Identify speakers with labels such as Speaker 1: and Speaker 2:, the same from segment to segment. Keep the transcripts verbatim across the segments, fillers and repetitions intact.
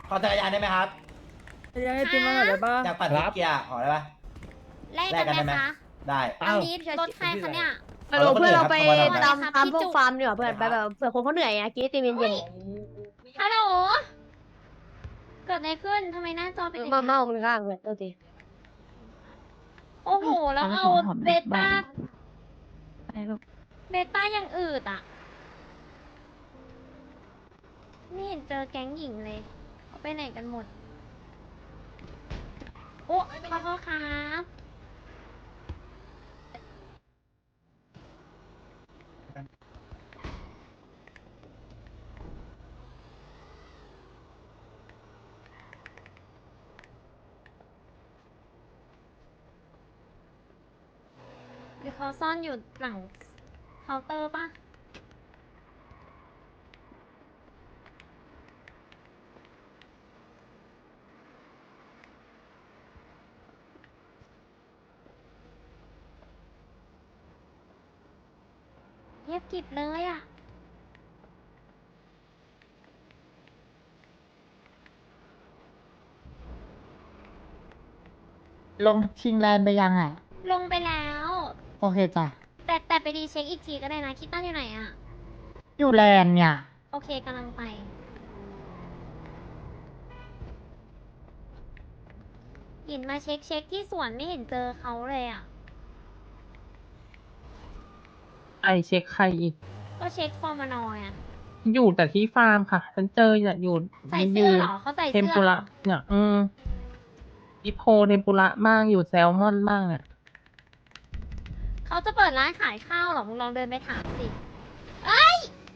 Speaker 1: ขอจักรยานได้ไหมครับ
Speaker 2: ยังให้ติมมาหน่อยได้ปะ
Speaker 1: อยากปั่นรถเกียร์ขอได้ปะ
Speaker 3: แลกกันไหมคะ
Speaker 1: ได้
Speaker 3: อันนี้รถใครคะเนี่ย
Speaker 4: ไปบอกเพื่อนเราไป
Speaker 1: เอารถคนอื่นครับ
Speaker 4: ตามตามพวกฟาร์มดีกว่าเพื่อนไปแบบเผื่อคนเขาเหนื่อยอะกี้ตีเย็นเย็น
Speaker 3: ฮัลโหลเกิดอะไรขึ้นทำไมหน้าจอเป็นอย่าง
Speaker 4: มา
Speaker 3: นี้
Speaker 4: เมาคนข้างเลยตัวที
Speaker 3: โอ้โหแล้วเอาเบต้า
Speaker 5: ไปลูก
Speaker 3: เบต้ายังอืดอ่ะไม่เห็นเจอแก๊งหญิงเลยเขาไปไหนกันหมดโอ้ขอโทษครับหรือเขาซ่อนอยู่หลังเคาน์เตอร์ปะเงียบกริบเลยอ่ะ
Speaker 5: ลงชิงแลนด์ไปยังอ่ะ
Speaker 3: ลงไปแล้ว
Speaker 5: โอเคจ้ะ
Speaker 3: แต่แต่ไปดีเช็คอีกทีก็ได้นะคิดตั้งอยู่ไหนอ่ะ
Speaker 5: อยู่แลนด์เนี่ย
Speaker 3: โอเคกำลังไปหยินมาเช็คเช็คที่สวนไม่เห็นเจอเขาเลยอ่ะ
Speaker 6: ไอเช็คใครอีก
Speaker 3: ก็เช็คฟอร์มานอยอ่ะ
Speaker 6: อยู่แต่ที่ฟาร์มค่ะ ฉันเจอเนี่ยอยู่
Speaker 3: ใส่เสื้อเหรอเขาใส่
Speaker 6: เทม
Speaker 3: เสื้อ
Speaker 6: ปุ
Speaker 3: เหร
Speaker 6: ระ
Speaker 3: อ
Speaker 6: เนี่ย อืมดิโพเทมปุระบ้างอยู่แซลมอนบ้างเนี่ย
Speaker 3: เขาจะเปิดร้านขายข้าวเหรอ มึงลองเดินไปถามสิเอ้ย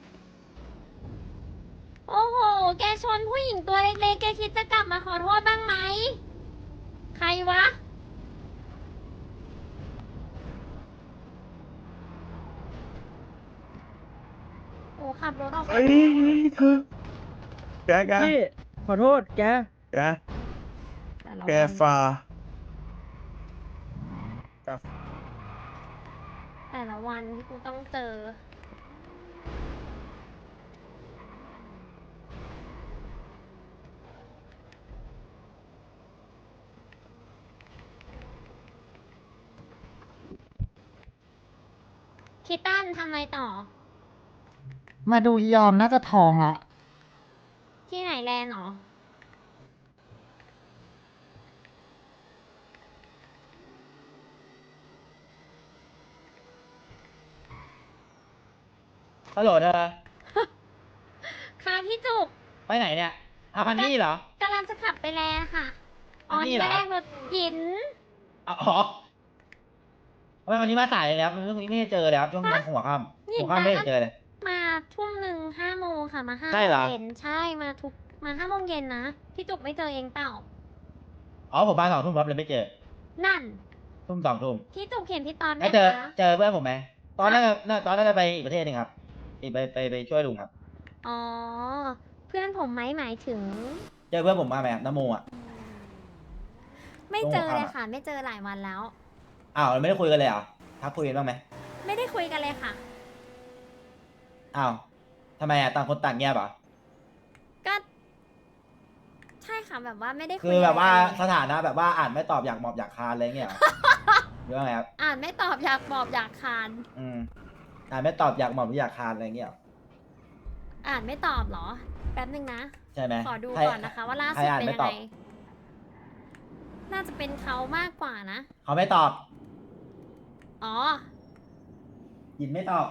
Speaker 3: โอ้โห แกชนผู้หญิงตัวเล็กๆ แกคิดจะกลับมาขอโทษบ้างไหม ใครวะ โอ้ขับรถออกไป
Speaker 7: เฮ้ยเธอแกแก
Speaker 2: พี่ขอโทษแก
Speaker 7: แก
Speaker 3: แต่ละ
Speaker 7: แก
Speaker 3: วัน
Speaker 7: ฟาแก
Speaker 3: แต่ละวันที่กูต้องเจอ คิดตันทำอะไรต่อ
Speaker 5: มาดูอียอมน่าจะทองละ
Speaker 3: ที่ไหนแลนด์หรอ
Speaker 1: ฮัลโหลเธอ
Speaker 3: ค่ะพี่จุก
Speaker 1: ไปไหนเนี่ยอาพันนี่เหรอก
Speaker 3: ำลังจะขับไปแลนด์ค่ะ อ๋อ
Speaker 1: นี่
Speaker 3: นี่
Speaker 1: เหรอ
Speaker 3: แรกรถหิน
Speaker 1: อ๋อทำไมวันนี้มาสายเลยครับไม่ไม่ได้เจอเลยครับช่วงหัวค่ำ
Speaker 3: นี่
Speaker 1: หัวค่ำไม่ได้เจอเลย
Speaker 3: มาทุ่มหนึ่งห้าโมงค่ะ มาห้า
Speaker 1: ใช่เหรอ
Speaker 3: เย็นใช่ มาทุก มาห้าโมงเย็นนะ พี่จุกไม่เจอเองเปล่า
Speaker 1: อ๋อผมมาสองทุ่มครับเลยไม่เจอ
Speaker 3: นั่น
Speaker 1: ทุ่มสองทุ่ม
Speaker 3: พี่จุกเห็นพี่ตอนไหม
Speaker 1: แล้วเจอ
Speaker 3: คะ
Speaker 1: เจอเพื่อนผมไหมตอนนั้นน่ะตอนนั้นจะไปอีกประเทศหนึ่งครับอีกไปไปไปช่วยลุงครับ
Speaker 3: อ๋อ เพื่อนผมไหมหมายถึง
Speaker 1: เจอเพื่อนผมมาไหมครับน้ำโมอ่ะ
Speaker 3: ไม่เจอ
Speaker 1: ตรงหัว
Speaker 3: เลย
Speaker 1: ข้ามอะ
Speaker 3: ค่ะ ไม่เจอหลายวันแล้ว
Speaker 1: อ้าวเราไม่ได้คุยกันเลยเหรอทักคุยกันบ้างไหม
Speaker 3: ไม่ได้คุยกันเลยค่ะ
Speaker 1: อ้าวทำไมอ่ะต่างคนต่างเงียบเหรอ
Speaker 3: ก็ ใช่ค่ะแบบว่าไม่ได้คุย
Speaker 1: คือแบบว่า
Speaker 3: อะไรกัน
Speaker 1: ส
Speaker 3: เลย
Speaker 1: ถานะแบบว่าอ่านไม่ตอบอยากหมอบอยากคานอะไรเงี้ยเหรอ หรือว่าไงครับ
Speaker 3: อ่านไม่ตอบอยากบอกอยากคาน
Speaker 1: อืมอ่านไม่ตอบอยากหมอบหรืออยากคานอะไรเงี้ยเหรอ
Speaker 3: อ่านไม่ตอบเหรอ แป๊บนึงนะ
Speaker 1: ใช่ไหม
Speaker 3: ขอดู
Speaker 1: ใคร
Speaker 3: ก่อนนะคะ ว่าล่า
Speaker 1: ใคร
Speaker 3: สุด
Speaker 1: อ่าน
Speaker 3: เป็น
Speaker 1: ไม่
Speaker 3: ยัง
Speaker 1: ตอ
Speaker 3: ไง
Speaker 1: บ
Speaker 3: น่าจะเป็นเขามากกว่านะ
Speaker 1: เขาไม่ตอบ
Speaker 3: อ๋อ
Speaker 1: ยินไม่ตอบ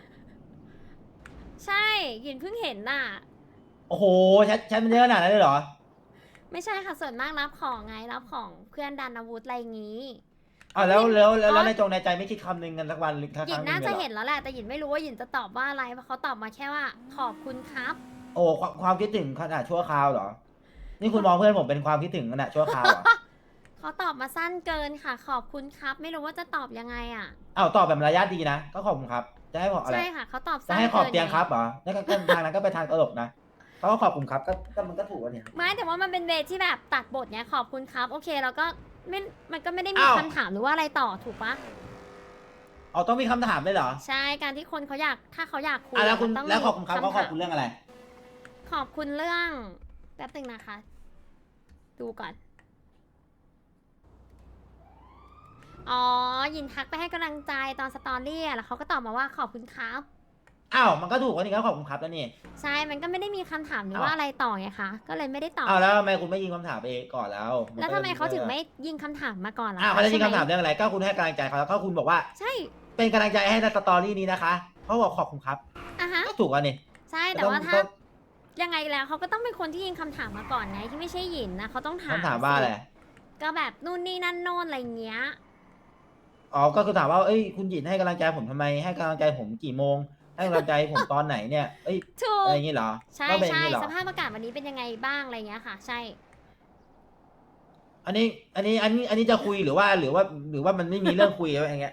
Speaker 3: ใช่ หยินเพิ่งเห็นน่ะ
Speaker 1: โอ้โหแชทแชทมันเยอะขนาดนั้นเลยเหรอ
Speaker 3: ไม่ใช่ค่ะส่วนมากรับของไงรับของเพื่อนดันอาวุธอะไรอย่างงี้
Speaker 1: อ้าวแล้วแล้วแล้วแล้ว
Speaker 3: อ๋อ
Speaker 1: ในจงในใจไม่คิดคำหนึ่งกันสักวันหรือสัก
Speaker 3: ห
Speaker 1: ค
Speaker 3: ยิ
Speaker 1: รั้
Speaker 3: น
Speaker 1: งหนึ่
Speaker 3: น่าง
Speaker 1: เลย
Speaker 3: จะ
Speaker 1: เหรอ
Speaker 3: เห็นแล้วแหละ แต่หยินไม่รู้ว่าหยินจะตอบว่าอะไร เพราะเขาตอบมาแค่ว่า ขอบคุณครับ
Speaker 1: โอ้ความความคิดถึงขนาดชั่วคราวเหรอ นี่คุณมองเพื่อนผมเป็นความคิดถึงขนาดชั่วคราวเหรอ
Speaker 3: เขาตอบมาสั้นเกินค่ะ ขอบคุณครับ ไม่รู้ว่าจะตอบยังไงอ่ะ
Speaker 1: อ้าวตอบแบบมารยาทดีนะ ก็ขอบคุณครับ จะให้บอกอะไร
Speaker 3: ใช่ค่ะ เขาตอบ
Speaker 1: จะ
Speaker 3: สั้น
Speaker 1: ให้ขอบ
Speaker 3: กิน
Speaker 1: เตียง
Speaker 3: ไ
Speaker 1: ครับเหรอแล้วก็ก็ทางนั้นก็ไปทางตลกนะเขาก็ขอบคุณครับก็ก็มันก็ถูกแล้วเนี่ย
Speaker 3: ไม่แต่ว่ามันเป็นเวทที่แบบตัดบทเนี้ยขอบคุณครับ โอเคแล้วก็ไม่มันก็ไม่ได้มี
Speaker 1: อ้าว
Speaker 3: คำถามหรือว่าอะไรต่อถูกปะ
Speaker 1: เอาต้องมีคำถามด้วยเหรอ
Speaker 3: ใช่การที่คนเขาอยากถ้าเขาอยากคุย
Speaker 1: อ่ะแล้วคุณ
Speaker 3: มันต้อง
Speaker 1: แล้ว
Speaker 3: มี
Speaker 1: ขอบคุณครับเขาขอบคุณ
Speaker 3: ถาม
Speaker 1: เรื่องอะไร
Speaker 3: ขอบคุณเรื่องแป๊บป๊บนึงนะคะ ดูก่อน อ๋อ ยินทักไปให้กำลังใจตอนสตอรี่อะแล้วเขาก็ตอบมาว่าขอบคุณครับ
Speaker 1: อ้าวมันก็ถูกกว่านี้ก็ขอบคุณครับแล้วนี่
Speaker 3: ใช่ มันก็ไม่ได้มีคำถามหรือ
Speaker 1: อ้าว
Speaker 3: ว่าอะไรต่อไงคะ ก็เลยไม่ได้ตอบ
Speaker 1: อ้าวแล้วทำไมคุณไม่ยิงคำถามไปก่อนแล้วน
Speaker 3: แล้ว
Speaker 1: ก็
Speaker 3: ทำไมเขาถึงไม่ยิงคำถามมาก่อนล่ะ
Speaker 1: อ้าวเขาจะยิง
Speaker 3: ใช่ไห
Speaker 1: คำถามเรื่องอะไรก็คุณให้กำลังใจเขาแล้วก็คุณบอกว่า
Speaker 3: ใช่
Speaker 1: เป็นกำลังใจให้ในสตอรี่นี้นะคะเขาบอกขอบคุณครับ
Speaker 3: อ่ะฮะ
Speaker 1: ก็ถูกอ่ะนี่
Speaker 3: ใช่ แต่
Speaker 1: ต้อง
Speaker 3: ว่าถ้า
Speaker 1: ต้อง
Speaker 3: ยังไงแล้วเขาก็ต้องเป็นคนที่ยิงคำถามมาก่อนไงที่ไม่ใช่หยินนะเขาต้องถาม
Speaker 1: คำถามว่าอะไร
Speaker 3: สิก็แบบนู่นนี่นั่นโน่นอะไรเงี้ย
Speaker 1: อ๋อก็คือถามว่าเอ้ยคุณหยินให้กำลังใจผมทำไมให้กำลังใจผมกี่โมง ให้กำลังใจผมตอนไหนเนี่ยเอ้ย
Speaker 3: ถูก
Speaker 1: อะไรอย่างงี้เหรอ
Speaker 3: ใช่
Speaker 1: ก็เป็นอย่า
Speaker 3: ใช่
Speaker 1: งงี้เหรอ
Speaker 3: สภาพอากาศวันนี้เป็นยังไงบ้างอะไรเงี้ยค่ะ ใช่
Speaker 1: อันนี้อันนี้อันนี้อันนี้จะคุยหรือว่าหรือว่าหรือว่ามันไม่มีเรื่องคุยอะไรอย่างเงี้ย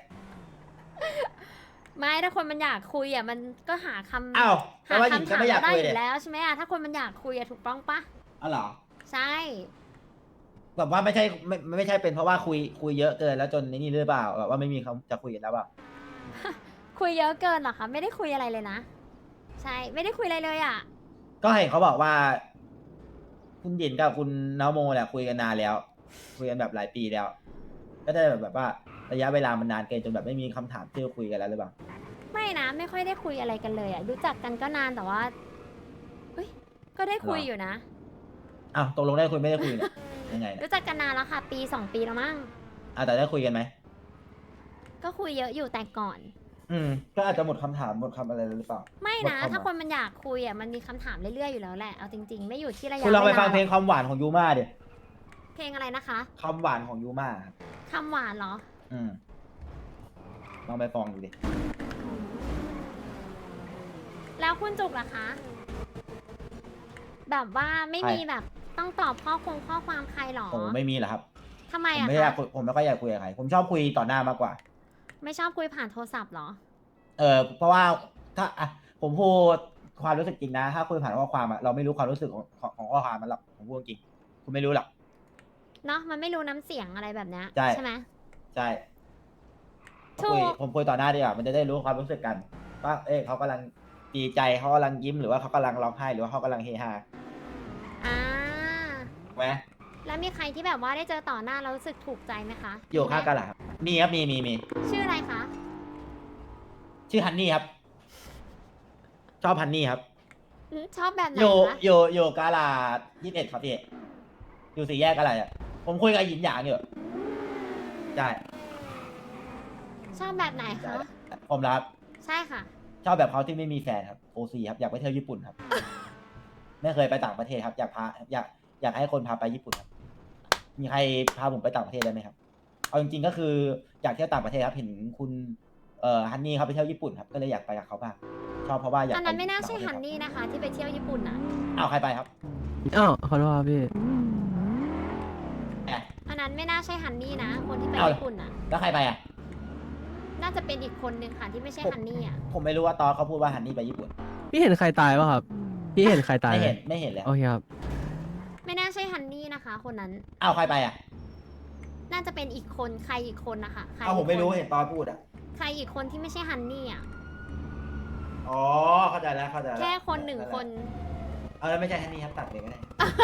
Speaker 3: ไม่ถ้าคนมันอยากคุยอ่ะมันก็หาคำ
Speaker 1: อ้าวแต่
Speaker 3: หา
Speaker 1: ว่าหยิน
Speaker 3: คำ
Speaker 1: ก็
Speaker 3: ถาม
Speaker 1: ไม่อยาก
Speaker 3: ได้
Speaker 1: คุย
Speaker 3: อ
Speaker 1: เลย
Speaker 3: ยู่แล้วใช่ไหมอ่ะถ้าคนมันอยากคุยอ่ะถูกต้องปะ
Speaker 1: อ๋อเหรอ
Speaker 3: ใช่
Speaker 1: แบบว่าไม่ใช่ไม่ไม่ใช่เป็นเพราะว่าคุยคุยเยอะเกินแล้วจนนี่หรือเปล่าแบบว่าไม่มีเขาจะคุยกันแล้วเปล่า
Speaker 3: คุยเยอะเกินเหรอคะไม่ได้คุยอะไรเลยนะ ใช่ไม่ได้คุยอะไรเลยอ่ะ
Speaker 1: ก็เห็นเขาบอกว่า คุณหยินกับคุณน้าโมเนี่ยคุยกันนานแล้ว คุยกันแบบหลายปีแล้ว ก็ได้แบบว่าระยะเวลามันนานเกินจนแบบไม่มีคำถามที่จะคุยกันแล้วหรือเปล่า
Speaker 3: ไม่นะไม่ค่อยได้คุยอะไรกันเลยอ่ะรู้จักกันก็นานแต่ว่าเอ้ยก็ได้คุย
Speaker 1: หรอ
Speaker 3: อยู่นะ
Speaker 1: อ้าวตกลงได้คุยไม่ได้คุยเนี่ยยังไงเนี่ย
Speaker 3: รู้จักกันนานแล้วค่ะ ปีสองปีแล้วมั้ง
Speaker 1: อ่ะแต่ได้คุยกันไหม
Speaker 3: ก็คุยเยอะอยู่แต่ก่อน
Speaker 1: อืมก็อาจจะหมดคำถามหมดคำอะไรหรือเปล่า
Speaker 3: ไม่นะ
Speaker 1: หดวม
Speaker 3: ถ้าคนมันอยากคุยอ่ะมันมีคำถามเรื่อยๆอยู่แล้วแหละเอาจริงๆ ไม่อยู่ที่ระยะ
Speaker 1: คุณลองไป
Speaker 3: วา
Speaker 1: ฟังเพลงความหวานของยูมาดิ
Speaker 3: เพลงอะไรนะคะ
Speaker 1: คำหวานของยูมาครับ
Speaker 3: คำหวานเหรอ
Speaker 1: อืมลองไปฟังดูดิ
Speaker 3: แล้วคุณจุกล่ะคะ แบบว่าไม่มีแบบต้องตอบข้อคงข้อความใครหรอ
Speaker 1: ผมไม่มีเหรอครับ
Speaker 3: ทำไม
Speaker 1: ผม
Speaker 3: อะ
Speaker 1: ไม่อยาก
Speaker 3: คะ
Speaker 1: คุยผมไม่ค่อยอยากคุยกับใครผมชอบคุยต่อหน้ามากกว่า
Speaker 3: ไม่ชอบคุยผ่านโทรศัพท์เหรอ
Speaker 1: เออเพราะว่าถ้าอ่ะผมพูดความรู้สึกจริงนะ ถ้าคุยผ่านข้อความอะเราไม่รู้ความรู้สึกของของของข้อความมันหรอกผมพูดจริงคุณไม่รู้หรอก
Speaker 3: เนาะมันไม่รู้น้ำเสียงอะไรแบบเนี้ย
Speaker 1: ใช่
Speaker 3: ไหม
Speaker 1: ใช่
Speaker 3: ถูก
Speaker 1: คุยผมคุยต่อหน้าดีกว่ามันจะได้รู้ความรู้สึกกันว่าเอ้ยเขากำลังดีใจเขากำลังยิ้มหรือว่าเขากำลังร้องไห้หรือว่าเขากำลังเฮฮา
Speaker 3: อ่า
Speaker 1: ถูกไหม
Speaker 3: แล้วมีใครที่แบบว่าได้เจอต่อหน้าแล้วรู้สึกถูกใจไหมคะ
Speaker 1: อยู่ข้างกันเหรอครับมีครับมีมีมี
Speaker 3: ชื่ออะไรคะ
Speaker 1: ชื่อฮันนี่ครับ ชอบฮันนี่ครับ
Speaker 3: อืมชอบแบบไหน
Speaker 1: อยู่
Speaker 3: คะ
Speaker 1: อยู่อยู่กาลาดยี่สิบเอ็ดครับพี่อยู่สี่แยกอะไรอ่ะผมคุยกับหยินหยางอยู่ใช่
Speaker 3: ชอบแบบไหนคะ
Speaker 1: ผมรับ
Speaker 3: ใช่ค่ะ
Speaker 1: ชอบแบบเขาที่ไม่มีแฟนครับโอซีครับอยากไปเที่ยวญี่ปุ่นครับ ไม่เคยไปต่างประเทศครับ อยากพาอยากอยากให้คนพาไปญี่ปุ่นครับ มีใครพาผมไปต่างประเทศได้ไหมครับเอาจริงๆก็คืออยากเที่ยวต่างประเทศครับเห็นคุณเอ่อฮันนี่เขาไปเที่ยวญี่ปุ่นครับก็เลยอยากไปกับเขาบ้างชอบเพราะว่าอยาก
Speaker 3: อัน
Speaker 1: ไป
Speaker 3: นั้นไม่น่าใช่
Speaker 1: ต่งประ
Speaker 3: ฮั
Speaker 1: เทศ
Speaker 3: นนี่นะคะ ที่ไปเที่ยวญี่ปุ่นอ่ะ
Speaker 1: อ้าวใครไปครับ
Speaker 7: อ้าวขอโทษครับพี่
Speaker 1: แหม
Speaker 3: อันนั้นไม่น่าใช่ฮันนี่นะ คนที่ไป
Speaker 1: เอา
Speaker 3: ญี่ปุ่นอ่ะ
Speaker 1: แล้วใครไปอ่ะ
Speaker 3: น่าจะเป็นอีกคนนึงค่ะที่ไม่ใช่
Speaker 1: ผม
Speaker 3: ฮันนี่อ่ะ
Speaker 1: ผมไม่รู้ว่าตอนเขาพูดว่าฮันนี่ไปญี่ปุ่น
Speaker 7: พี่เห็นใครตายป่ะครับ พี่เห็นใครตาย
Speaker 1: ไม่
Speaker 7: ไหม
Speaker 1: เห็นไม่เห็นเลย
Speaker 7: โอเคครับ
Speaker 3: ไม่น่าใช่ฮันนี่นะคะ คนนั้น
Speaker 1: อ้าวใครไปอ่ะ
Speaker 3: น่าจะเป็นอีกคนใครอีกคนนะคะใคร
Speaker 1: อ้าวผมไม่รู้
Speaker 3: อีกคน
Speaker 1: เห็นตอนพูดอ่ะ
Speaker 3: ใครอีกคนที่ไม่ใช่ฮันนี่อ่ะ
Speaker 1: อ๋อเข้าใจแล้วเข้าใจแล้ว
Speaker 3: แค่คนหนึ่งคน
Speaker 1: เออไม่ใช่ฮันนี่ครับตัดเลยก็ได้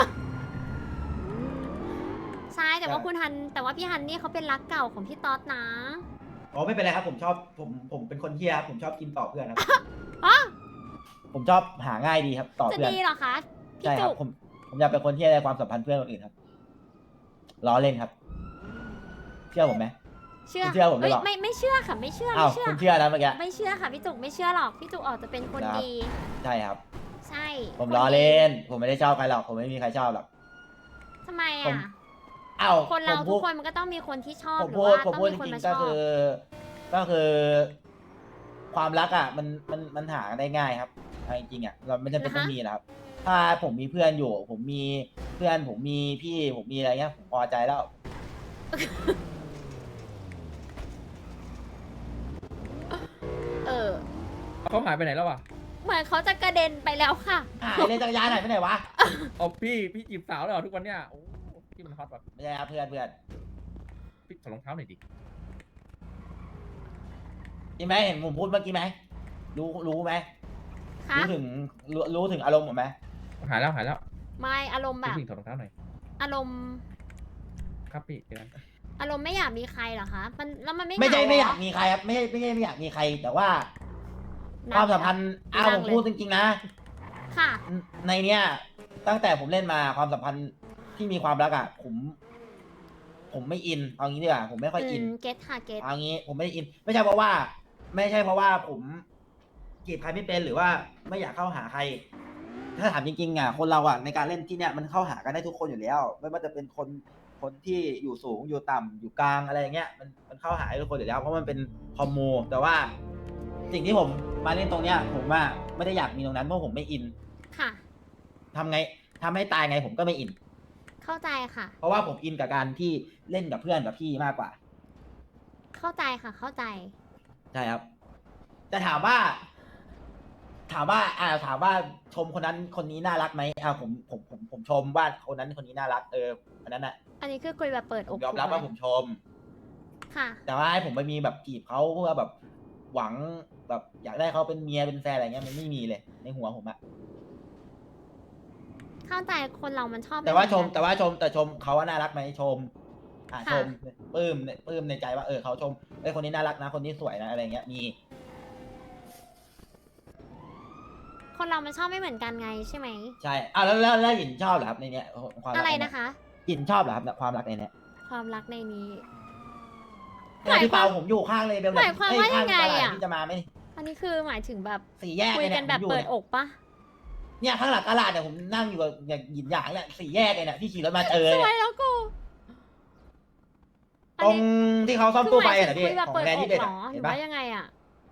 Speaker 3: ใช่แต่ว่าคุณฮัน แต่ว่าพี่ฮันนี่เขาเป็นรักเก่าของพี่ต๊อดนะ
Speaker 1: อ๋อไม่เป็นไรครับผมชอบผมผมเป็นคนเที่ยครับผมชอบกินต่อเพื่อนครับ
Speaker 3: อ๋อ
Speaker 1: ผมชอบหาง่ายดีครับ ต่อ
Speaker 3: จะ
Speaker 1: เพื่อน
Speaker 3: ดีเหรอคะพี่
Speaker 1: ใช่ครั
Speaker 3: จุ
Speaker 1: บ
Speaker 3: ก
Speaker 1: ผมผมอยากเป็นคนที่ในความสัมพันธ์เพื่อนคนอื่นครับล้อเล่นครับ เชื่อผมไหม
Speaker 3: เชื่อ
Speaker 1: คุณเชื่อผมหรือเปล่า
Speaker 3: ไม่ไม่เชื่อค่ะ ไม่เชื่อ
Speaker 1: อ้าว
Speaker 3: ไม่เชื่อ
Speaker 1: คุณเชื่อนะเมื่อกี้
Speaker 3: ไม่เชื่อค่ะพี่จุกไม่เชื่อหรอกพี่จุกออกจะเป็นคน
Speaker 1: ครับ
Speaker 3: ดี
Speaker 1: ใช่ครับ
Speaker 3: ใช่
Speaker 1: ผม
Speaker 3: ค
Speaker 1: ล้อ
Speaker 3: ดี
Speaker 1: เล่น ผมไม่ได้ชอบใครหรอกผมไม่มีใครชอบหรอก
Speaker 3: ทำไม
Speaker 1: ผม
Speaker 3: อ่ะ
Speaker 1: อ้าว
Speaker 3: คนเรา
Speaker 1: ผม
Speaker 3: ทุ
Speaker 1: พู
Speaker 3: ก
Speaker 1: ด
Speaker 3: คนมันก็ต้องมีคนที่ชอบ
Speaker 1: ผม
Speaker 3: หรือ
Speaker 1: พูด
Speaker 3: ว่า
Speaker 1: ผม
Speaker 3: ต้อง
Speaker 1: พูด
Speaker 3: มี
Speaker 1: จ
Speaker 3: คน
Speaker 1: ริง
Speaker 3: มา
Speaker 1: ๆ
Speaker 3: ช
Speaker 1: ก็
Speaker 3: อบ
Speaker 1: คือ ก็คือ ความรักอ่ะ มันมันมันหาได้ง่ายครับเอาจริงๆอ่ะเราไม่จำเป็นต้องมีนะครับ ถ้าผมมีเพื่อนอยู่ ผมมีเพื่อนผมมีพี่ผมมีอะไรเงี้ยผมพอใจแล้ว
Speaker 3: เออ
Speaker 8: เขาหายไปไหนแล้ววะ
Speaker 3: เหมือนเขาจะกระเด็นไปแล้วค่ะ
Speaker 1: หายเลยจักรยานหายไปไหนวะ
Speaker 8: เอาพี่พี่จีบสาวแล้วเหรอทุกวันเนี้ยโอ้พี่มันฮอตแบบ
Speaker 1: ไม่ใช่ครับเพื่อนเพื่อน
Speaker 8: พี่ถอดรองเท้าหน่อยดิ
Speaker 1: จริงไหมเห็นผมพูดเมื่อกี้ไหมรู้รู้ไหม
Speaker 3: คะ
Speaker 1: รู้ถึงรู้รู้ถึงอารมณ์ผมไหม
Speaker 8: หายแล้วหายแล้ว
Speaker 3: ไม่อารมณ์แบบ
Speaker 8: ผู้หญิงถอดรองเท้าหน่อย
Speaker 3: อารมณ์
Speaker 8: ครับพี่เดี๋ยวกัน
Speaker 3: อารมณ์ไม่อยากมีใครเหรอคะมันแล้วมันไม่
Speaker 1: ไม่ใช่
Speaker 3: เหง
Speaker 1: ไม่อยาก
Speaker 3: เหร
Speaker 1: มีใครครับไม่ใช่ไม่ใช่ไม่อยากมีใคร แต่ว่า
Speaker 3: นั่
Speaker 1: ควาง มสัมพันธ์
Speaker 3: นั่
Speaker 1: อ้าง วผม
Speaker 3: เลย
Speaker 1: พูดจริงๆนะ
Speaker 3: ค่ะ
Speaker 1: ในเนี้ยตั้งแต่ผมเล่นมาความสัมพันธ์ที่มีความรักอ่ะผม ผมไม่อินเอางี้ดีกว่าผมไม่ค่อยอิน
Speaker 3: เก็ตค่ะเก็ต
Speaker 1: เอางี้ผมไม่ได้อิน ไม่ใช่เพราะว่า ไม่ใช่เพราะว่าผมจีบใครไม่เป็นหรือว่าไม่อยากเข้าหาใคร ถ้าถามจริงๆอ่ะคนเราอ่ะในการเล่นที่เนี้ยมันเข้าหากันได้ทุกคนอยู่แล้ว ไม่ว่าจะเป็นคนคนที่อยู่สูงอยู่ต่ำอยู่กลางอะไรอย่างเงี้ยมันมันเข้าหาได้ทุกคนอยู่แล้วเพราะมันเป็นคอมมูแต่ว่า สิ่งที่ผมมาเล่นตรงเนี้ย ผมว่าไม่ได้อยากมีตรงนั้นเพราะผมไม่อิน
Speaker 3: ค่ะ
Speaker 1: ทำไงทำให้ตายไงผมก็ไม่อิน
Speaker 3: เข้าใจค่ะ
Speaker 1: เพราะว่าผมอินกับการที่เล่นกับเพื่อนกับพี่มากกว่า
Speaker 3: เข้าใจค่ะ เข้าใจ
Speaker 1: ใช่ครับ แต่ถามว่า ถามว่า อ่า ถามว่าชมคนนั้นคนนี้น่ารักไหมอ่าผมผมผมผมชมว่าคนนั้นคนนี้น่ารัก เอออันนั้นน่ะ
Speaker 3: อันนี้คือคุยแบบเปิด
Speaker 1: ผ
Speaker 3: อก
Speaker 1: มยอมรับ
Speaker 3: ถูกไห
Speaker 1: ว่าผมชม
Speaker 3: ค่ะ
Speaker 1: แต่ว่าให้ผมไปมีแบบจีบเขาเพื่อแบบหวังแบบ อยากได้เขาเป็นเมียเป็นแฟนอะไรเงี้ยมันไม่มีเลยในหัวผมอะ
Speaker 3: เข้าใจคนเรามันชอบ
Speaker 1: แต่ว่า
Speaker 3: ไเห
Speaker 1: ช
Speaker 3: อน
Speaker 1: ม
Speaker 3: กัน
Speaker 1: แต่ว่าชมแต่ชมเขาว่าน่ารักไหมชม อ่า
Speaker 3: ค่ะ
Speaker 1: ชมปลื้มปลื้มในใจว่าเออเขาชมไอ้ยคนนี้น่ารักนะคนนี้สวยนะอะไรเงี้ยมี
Speaker 3: คนเรามันชอบไม่เหมือนกันไงใช่ไหม
Speaker 1: ใช่อ่าแล้วแล้วแล้วหยินชอบเหรอครับในเนี้ยความรัก
Speaker 3: อะไร
Speaker 1: ใเย
Speaker 3: นะคะ
Speaker 1: หยินชอบเหรอครับความรักในเนี้ย
Speaker 3: ความรักในนี้
Speaker 1: เนี่ยพี่เปาผมอยู่ข้างเลยเบล
Speaker 3: หมายความว่ายังไงอะ
Speaker 1: ที่จะมาไหม
Speaker 3: อันนี้คือหมายถึงแบบ
Speaker 1: สี่แยก
Speaker 3: คุย
Speaker 1: เลย
Speaker 3: กั
Speaker 1: เนี่
Speaker 3: น
Speaker 1: ย
Speaker 3: แบบ
Speaker 1: ผมอยู่
Speaker 3: เปิด
Speaker 1: เนี่ย
Speaker 3: อกปะ
Speaker 1: เนี่ยข้างหลังตลาดเนี่ยผมนั่งอยู่กับอย่างหยินหยางเนี่ยสี่แยกเลยเนี่ยที่ขี่รถมาเจอ
Speaker 3: ส
Speaker 1: เนี่
Speaker 3: วย
Speaker 1: ย
Speaker 3: แล้วกูอั
Speaker 1: ตรง
Speaker 3: นี้
Speaker 1: ที่เขาซ่อม
Speaker 3: คือ
Speaker 1: ตู้
Speaker 3: ห
Speaker 1: ไฟ
Speaker 3: มาย
Speaker 1: อะ
Speaker 3: ถึง
Speaker 1: นะพี่
Speaker 3: คุยแบบ
Speaker 1: ของ
Speaker 3: เปิด
Speaker 1: แบรน
Speaker 3: อ
Speaker 1: ด์ที่
Speaker 3: ก
Speaker 1: เด็ด
Speaker 3: เหร
Speaker 1: อะ
Speaker 3: อห
Speaker 1: เห็
Speaker 3: รื
Speaker 1: น
Speaker 3: อ
Speaker 1: ปะ
Speaker 3: ว่ายังไงอะ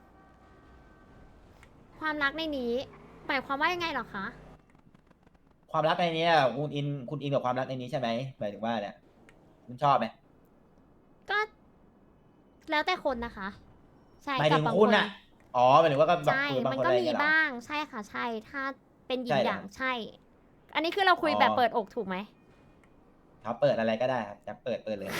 Speaker 3: ความรักในนี้ หมายความว่ายังไงเหรอคะ
Speaker 1: ความรักในนี้อะคุณอินคุณอินกับความรักในนี้ใช่ไหมหมายถึงว่าเนี่ยคุณชอบไหม
Speaker 3: ก็ แล้วแต่คนนะคะ ใช่
Speaker 1: หมาย
Speaker 3: กั
Speaker 1: ถึ
Speaker 3: บ
Speaker 1: ง
Speaker 3: บาง
Speaker 1: คุณ
Speaker 3: คน
Speaker 1: อะอ๋อหมายถึงว่าก็แบบ
Speaker 3: ใช่
Speaker 1: คุยกับบาง
Speaker 3: มัน
Speaker 1: คน
Speaker 3: ก็
Speaker 1: อะไร
Speaker 3: มี
Speaker 1: เงี้ยเหรอ
Speaker 3: บ้าง ใช่ค่ะ ใช่ ถ้าเป็นหยิ
Speaker 1: ใช่
Speaker 3: น
Speaker 1: เหรอ
Speaker 3: อย่างใช่ อันนี้คือเราคุย
Speaker 1: อ๋อ
Speaker 3: แบบเปิดอกถูกไหม
Speaker 1: ครับเปิดอะไรก็ได้ครับจะเปิดเปิดเลย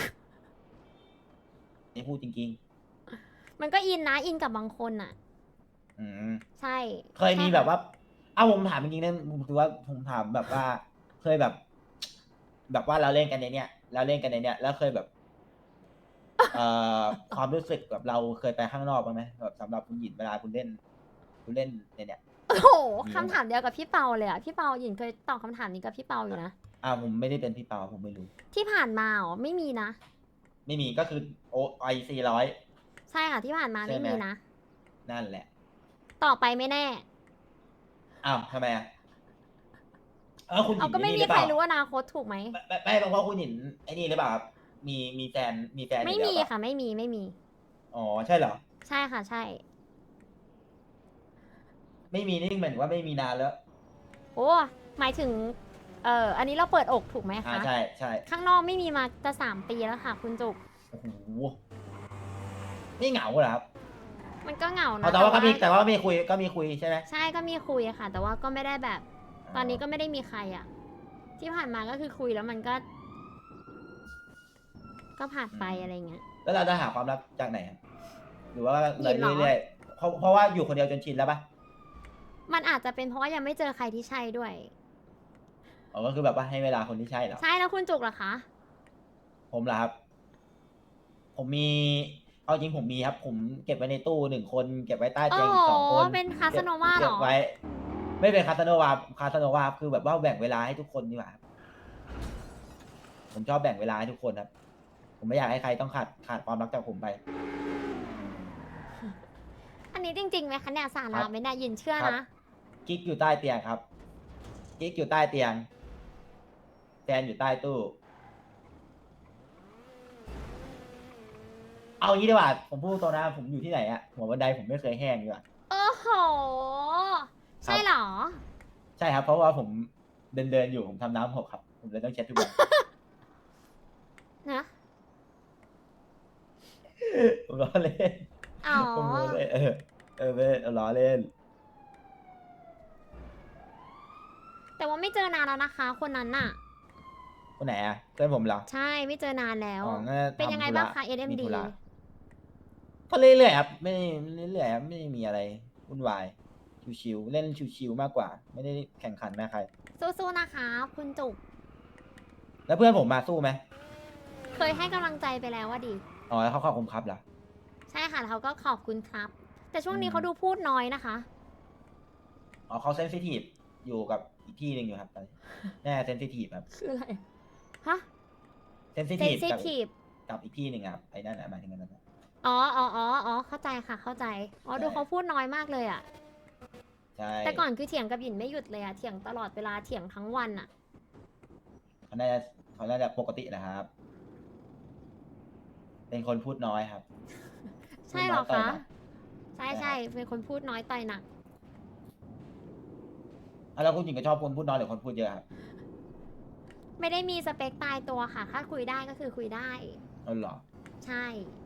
Speaker 1: นี่พูดจริง
Speaker 3: มันก็อินนะ อินกับบางคนอะ
Speaker 1: ๆ อืม
Speaker 3: ใช่
Speaker 1: เคยมีแบบว่า เอ้าผมถามจริงๆนะผมถือว่าผมถามแบบว่า เคยแบบ แบบว่าเราเล่นกันในเนี้ยเราเล่นกันในเนี้ยแล้วเคยแบบ เอ่อ ความรู้สึกแบบเราเคยไปข้างนอกบ้างไหมแบบสำหรับคุณหยินเวลาคุณเล่น คุณเล่นในเนี้ย
Speaker 3: โอ้โห
Speaker 1: มี
Speaker 3: คำถามเดียวกับพี่เปาเลยอะพี่เปาหยินเคยตอบคำถามนี้กับพี่เปาอยู่นะ
Speaker 1: อ่าผมไม่ได้เป็นพี่เปาผมไม่รู้
Speaker 3: ที่ผ่านมาอ๋อไม่มีนะ
Speaker 1: ไม่มีก็คือโอไอซีร้อย
Speaker 3: ใช่ค่ะที่ผ่านมา
Speaker 1: ใช่
Speaker 3: ไม่
Speaker 1: ไหม
Speaker 3: มีนะ
Speaker 1: นั่นแหละ
Speaker 3: ต่อไปไม่แน่
Speaker 1: อ้าวทำไมอ่ะเออคุณหยิ
Speaker 3: เอา
Speaker 1: น
Speaker 3: ก็ไม่
Speaker 1: อ้
Speaker 3: มี
Speaker 1: นี่หรือ
Speaker 3: ใค
Speaker 1: เป
Speaker 3: ร
Speaker 1: ล่า
Speaker 3: รู้อนาคตถูกไหม
Speaker 1: ไม่ไม่ไม่เพราะคุณหยินไอ้นี่หรือเปล่าครับมีมีแฟนมีแฟน
Speaker 3: ไม่
Speaker 1: อยู่
Speaker 3: มี
Speaker 1: แล้วเปล่า
Speaker 3: ค่ะ ไม่มีไม่มี
Speaker 1: อ๋อใช่เหรอ
Speaker 3: ใช่ค่ะ ใช่
Speaker 1: ไม่มีนี่เหมือนว่าไม่มีนานแล้ว
Speaker 3: โอ้หมายถึง เอ่ออันนี้เราเปิดอกถูกไหม
Speaker 1: อ่า
Speaker 3: คะ
Speaker 1: ใช่ใช่
Speaker 3: ข้างนอกไม่มีมาจะสามปีแล้วค่ะ คุณจุก
Speaker 1: โอ้โหไม่เหงาเหรอครับ
Speaker 3: มันก็เหงานะ
Speaker 1: เอาแต่ว่าก็มีแต่ว่ามีคุยก็มีคุยใช่ไหม
Speaker 3: ใช่ก็มีคุยอะค่ะ แต่ว่าก็ไม่ได้แบบ ตอนนี้ก็ไม่ได้มีใครอะที่ผ่านมาก็คือคุยแล้วมันก็ ก็ผ่านไปอะไรเงี้ย
Speaker 1: แล้วเราจะหาความรักจากไหนอะหรือว่า
Speaker 3: หยินเหรอ
Speaker 1: เรื่อยๆเพราะเพราะว่าอยู่คนเดียวจนชินแล้วปะ
Speaker 3: มันอาจจะเป็นเพราะว่ายังไม่เจอใครที่ใช่ด้วย
Speaker 1: อ๋อก็คือแบบว่าให้เวลาคนที่ใช่เหรอ
Speaker 3: ใช่แล้วคุณจุกเหรอคะ
Speaker 1: ผมเหรอครับ ผมมี เอาจริงผมมีครับ ผมเก็บไว้ในตู้หนึ่งคน เก็บไว้ใต้เตียงอีกสองคน
Speaker 3: โอ้เป็นคาสโนวาเหรอ
Speaker 1: เก็บไว้ ไม่เป็นคาสโนวา คาสโนวาคือแบบว่าแบ่งเวลาให้ทุกคนดีกว่าครับผมชอบแบ่งเวลาให้ทุกคนครับ ผมไม่อยากให้ใครต้องขาดขาดความรักจากผมไป
Speaker 3: อันนี้จริงๆไหมคะเนี่ยสา
Speaker 1: ครั
Speaker 3: ระ
Speaker 1: บ
Speaker 3: ไหมเนี่ยยินเชื่อ
Speaker 1: ครับ
Speaker 3: นะ
Speaker 1: กิ๊กอยู่ใต้เตียงครับ กิ๊กอยู่ใต้เตียง แฟนอยู่ใต้ตู้ เอางี้ดีกว่า ผมพูดตรงนะผมอยู่ที่ไหนอะหัวบันไดผมไม่เคยแห้งดีกว่า
Speaker 3: โอ้โห ใช่เหรอ
Speaker 1: ใช่ครับ เพราะว่าผมเดินเดินๆอยู่ผมทำน้ำหกครับ ผมเลยต้องเช็ดทุกวัน
Speaker 3: นะ
Speaker 1: ผมล้อเล่น
Speaker 3: อ๋อ
Speaker 1: ผมล้อเล่นเออเออไม่ล้อเล่น
Speaker 3: แต่ว่าไม่เจอนานแล้วนะคะ คนนั้นน่ะ
Speaker 1: คนไหนอะเพื่อนผมเหรอ
Speaker 3: ใช่ไม่เจอนานแล้ว
Speaker 1: อ๋อน่าจะ
Speaker 3: เป็นยังไง
Speaker 1: ทำธุระ
Speaker 3: บ้างคะ
Speaker 1: มี
Speaker 3: เอ็ม
Speaker 1: ธุ
Speaker 3: ดี
Speaker 1: ระก็เรื่อยๆครับ ไม่เรื่อยๆครับไม่มีอะไรวุ่นวายชิวๆเล่นชิวๆมากกว่า ไม่ได้แข่งขันนะใคร
Speaker 3: สู้ๆนะคะ คุณจุก
Speaker 1: แล้วเพื่อนผมมาสู้ไหม
Speaker 3: เคยให้กำลังใจไปแล้วว่าดิ
Speaker 1: อ๋อแล้วเขาขอบคุณครับเหรอ
Speaker 3: ใช่ค่ะแล้วเขาก็ขอบคุณครับ แต่ช่วงนี้
Speaker 1: อืม
Speaker 3: เขาดูพูดน้อยนะคะ
Speaker 1: อ๋อเขาเซนซิทีฟอยู่กับอีกที่หนึ่งอยู่ครับตอนนี้แน่เซนซิทีฟครับ
Speaker 3: คืออะไร ฮะ
Speaker 1: เซนซิ
Speaker 3: เซ
Speaker 1: ที
Speaker 3: น
Speaker 1: ฟ
Speaker 3: ซิ
Speaker 1: กับ
Speaker 3: ทีฟ
Speaker 1: กับอีกที่หนึ่งครับไอ้นั่นนะหมายถึงนั่นนะ
Speaker 3: อ๋ออ๋ออ๋ออ๋อเข้าใจค่ะ เข้าใจ อ๋อ
Speaker 1: ใช่
Speaker 3: ดูเขาพูดน้อยมากเลยอะ
Speaker 1: ใช่
Speaker 3: แต่ก่อนคือเถียงกับหยินไม่หยุดเลยอะเถียงตลอดเวลา เถียงทั้งวันอะ
Speaker 1: เขาน่าจะเขาน่าจะปกตินะครับ เป็นคนพูดน้อยครับ
Speaker 3: ใช่เหรอ
Speaker 1: พูดน้
Speaker 3: คะ
Speaker 1: ยต่ยหนัก
Speaker 3: ใช่
Speaker 1: ใช่
Speaker 3: ใช่
Speaker 1: ครับ
Speaker 3: เป็นคนพูดน้อยต่อยหนัก
Speaker 1: อ่ะแล้วคุณหญิงก็ชอบคนพูดน้อยหรือคนพูดเยอะครับ
Speaker 3: ไม่ได้มีสเปคตายตัวค่ะ ถ้าคุยได้ก็คือคุยได้
Speaker 1: อ๋อเหรอ
Speaker 3: ใช่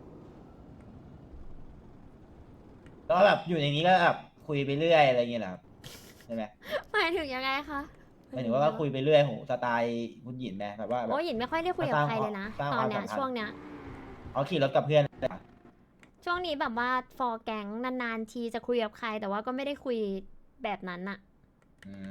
Speaker 1: แล้วแบบอยู่ในนี้ก็แบบคุยไปเรื่อยอะไรอย่างเงี้ยเหรอครับใช่ไหม
Speaker 3: หมายถึงยังไงคะ
Speaker 1: หมายถึงว่าก็คุยไปเรื่อยโหสไตล์คุณหญิงไหมแบบว่าแบบ
Speaker 3: โอ้ยหยินไม่ค่อยได้คุยกับใครเลยนะ
Speaker 1: สร้าง
Speaker 3: ต
Speaker 1: ค
Speaker 3: อ
Speaker 1: วาน ม
Speaker 3: เนี้ย
Speaker 1: สัมพันธ์
Speaker 3: ช่วงเนี้ย
Speaker 1: เขาขี่รถกับเพื่อน
Speaker 3: ช่วงนี้แบบว่าฟอร์แก๊งนานๆทีจะคุยกับใคร แต่ว่าก็ไม่ได้คุยแบบนั้นอะ
Speaker 1: อืม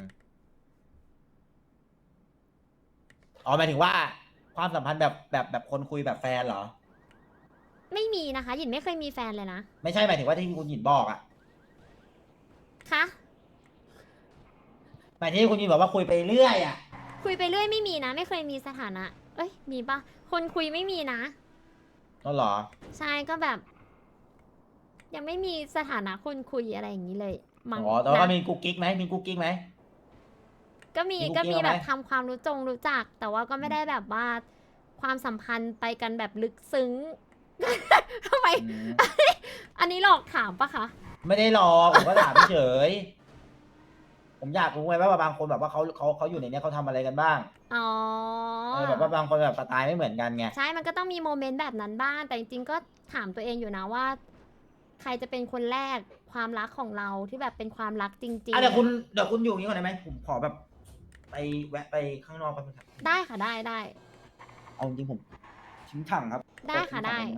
Speaker 1: อ๋อหมายถึงว่าความสัมพันธ์แบบแบบแบบคนคุยแบบแฟนเหรอ
Speaker 3: ไม่มีนะคะ หยินไม่เคยมีแฟนเลยนะ
Speaker 1: ไม่ใช่หมายถึงว่าที่คุณหญิงบอกอะ
Speaker 3: คะ
Speaker 1: หมายถึงที่คุณหญิงบอกว่าคุยไปเรื่อยอะ
Speaker 3: คุยไปเรื่อยไม่มีนะ ไม่เคยมีสถานะ เอ้ย มีปะคนคุยไม่มีนะ
Speaker 1: นั่นเหรอ
Speaker 3: ใช่ก็แบบ ยังไม่มีสถานะคนคุยอะไรอย่างนี้เลยมั้ง
Speaker 1: อ๋อแต่ว่าก็
Speaker 3: นะ
Speaker 1: มีกุ๊กกิ๊กไหมมีกุ๊กกิ๊กไหม
Speaker 3: ก็มี
Speaker 1: มีคุก
Speaker 3: ก็
Speaker 1: กี้
Speaker 3: มี
Speaker 1: ไหม
Speaker 3: แบบทำความรู้จงรู้จัก แต่ว่าก็ไม่ได้แบบว่าความสัมพันธ์ไปกันแบบลึกซึ้ง ทำไม
Speaker 1: อืม
Speaker 3: อันนี้หลอกถามปะคะ
Speaker 1: ไม่ได้หรอกผมก็ถามเฉยผมอยากรู้ไงว่าบางคนแบบว่าเขาเขาเขาอยู่ในเนี้ยเขาทำอะไรกันบ้าง
Speaker 3: อ๋อ
Speaker 1: เออแบบว่าบางคนแบบสไตล์ไม่เหมือนกันไง
Speaker 3: ใช่ มันก็ต้องมีโมเมนต์แบบนั้นบ้าง แต่จริงๆ ก็ถามตัวเองอยู่นะว่า ใครจะเป็นคนแรกความรักของเราที่แบบเป็นความรักจริง
Speaker 1: อ่ะเดี๋ยวคุณเดี๋ยวคุณอยู่อย่างนี้ก่อนได้ไหมผมขอแบบ ไปแวะไปข้างนอกแป๊บนึงครับ
Speaker 3: ๆ ได้ค่ะได้ได้
Speaker 1: เอาจริงๆผมทิ้งถังครับ
Speaker 3: ได้ค่ะ
Speaker 1: ทิ้งถัง
Speaker 3: ได้
Speaker 1: ก่อนนะ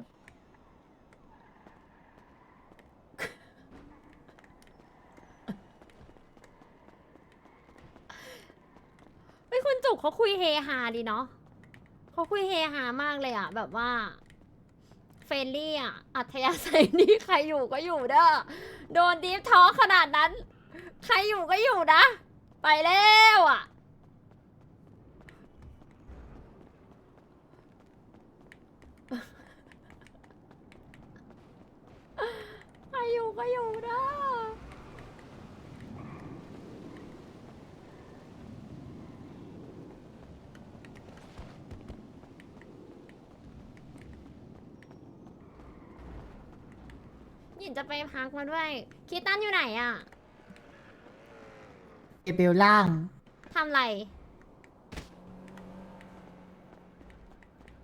Speaker 3: เฮ้ยคุณจุกเขาคุยเฮฮาดีเนาะเขาคุยเฮฮามากเลยอะแบบว่าเฟรนลี่อะอัธยาศัยนี่ใครอยู่ก็อยู่เด้อโดนดีฟท้อขนาดนั้น ใครอยู่ก็อยู่นะ ไปแล้วอะใครอยู่ก็อยู่เด้อหยินจะไปพักมาด้วยคิดตันอยู่ไหนอะ
Speaker 5: เอเบลล่าง
Speaker 3: ทำไร